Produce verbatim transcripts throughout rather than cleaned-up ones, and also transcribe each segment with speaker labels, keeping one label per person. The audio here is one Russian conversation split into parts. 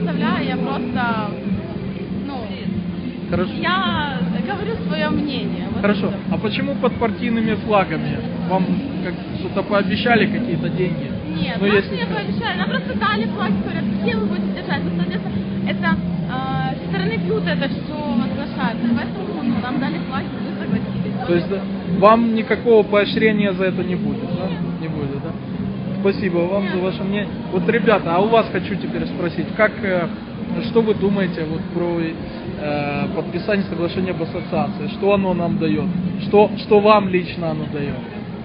Speaker 1: выставляю, я просто, ну,
Speaker 2: Хорошо.
Speaker 1: я говорю свое мнение. Вот
Speaker 2: Хорошо.
Speaker 1: это.
Speaker 2: А почему под партийными флагами? Вам как что-то пообещали, какие-то деньги?
Speaker 1: Нет,
Speaker 2: Ну,
Speaker 1: нам
Speaker 2: если-
Speaker 1: не пообещали, нам просто дали флаг, говорят, какие вы будете держать. Ну, соответственно, это э, со стороны Пьюта это все возглашается, поэтому ну, нам дали флаг, и мы согласились.
Speaker 2: То есть да, вам никакого поощрения за это не будет, да? Не будет, да? Спасибо вам за ваше мнение. Вот, ребята, а у вас хочу теперь спросить, как, э, что вы думаете вот про э, подписание соглашения об ассоциации? Что оно нам дает? Что, что вам лично оно дает?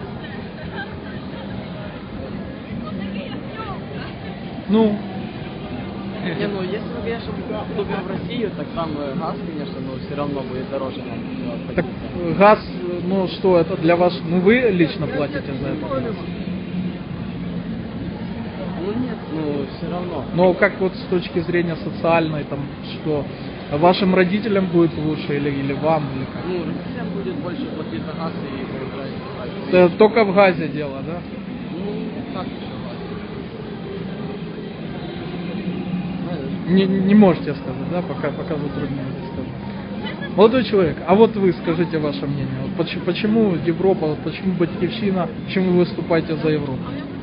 Speaker 2: Ну,
Speaker 3: Не, ну если мы, конечно, вступим в Россию, так там э, газ, конечно, но все равно будет дороже нам. э,
Speaker 2: так
Speaker 3: обходиться.
Speaker 2: э, газ, ну что это для вас? Ну вы лично платите за это?
Speaker 3: Ну нет, ну все равно.
Speaker 2: Но как вот с точки зрения социальной, там, что вашим родителям будет лучше или, или вам, или как?
Speaker 3: Ну, родителям будет больше платить за газ и проезжать.
Speaker 2: Это только в газе дело, да?
Speaker 3: Ну, как еще газ?
Speaker 2: Не, не можете сказать, да, пока, пока затрудняетесь сказать. Молодой человек, а вот вы скажите ваше мнение. Вот почему, почему Европа, вот почему Батьківщина, почему вы выступаете за Европу?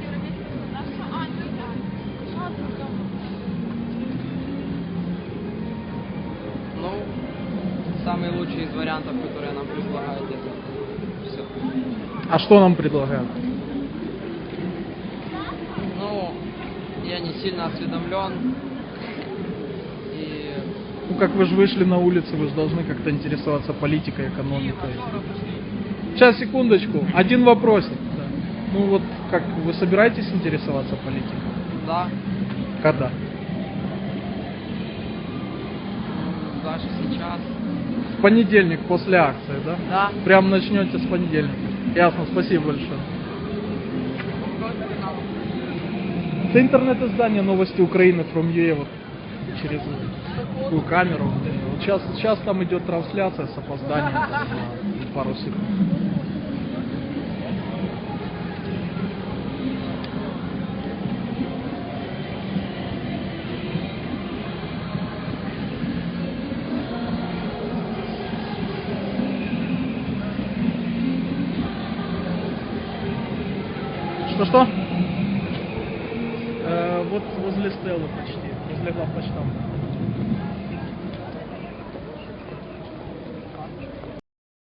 Speaker 3: Ну, самый лучший из вариантов, которые нам предлагают, это все.
Speaker 2: А что нам предлагают?
Speaker 3: Ну, я не сильно осведомлен. И...
Speaker 2: Ну, как вы же вышли на улицу, вы же должны как-то интересоваться политикой, экономикой. Сейчас, секундочку, один вопросик. Да. Ну вот, как, вы собираетесь интересоваться политикой?
Speaker 3: Да,
Speaker 2: Когда?
Speaker 3: ну, даже сейчас.
Speaker 2: В понедельник, после акции, да?
Speaker 3: Да.
Speaker 2: Прям начнете с понедельника. Ясно, спасибо большое. Это интернет-издание «Новости Украины» from ю эй, вот через такую камеру. Вот сейчас, сейчас там идет трансляция с опозданием там, на пару секунд. Что-что? Э, вот возле Стеллы почти, возле главпочтамта.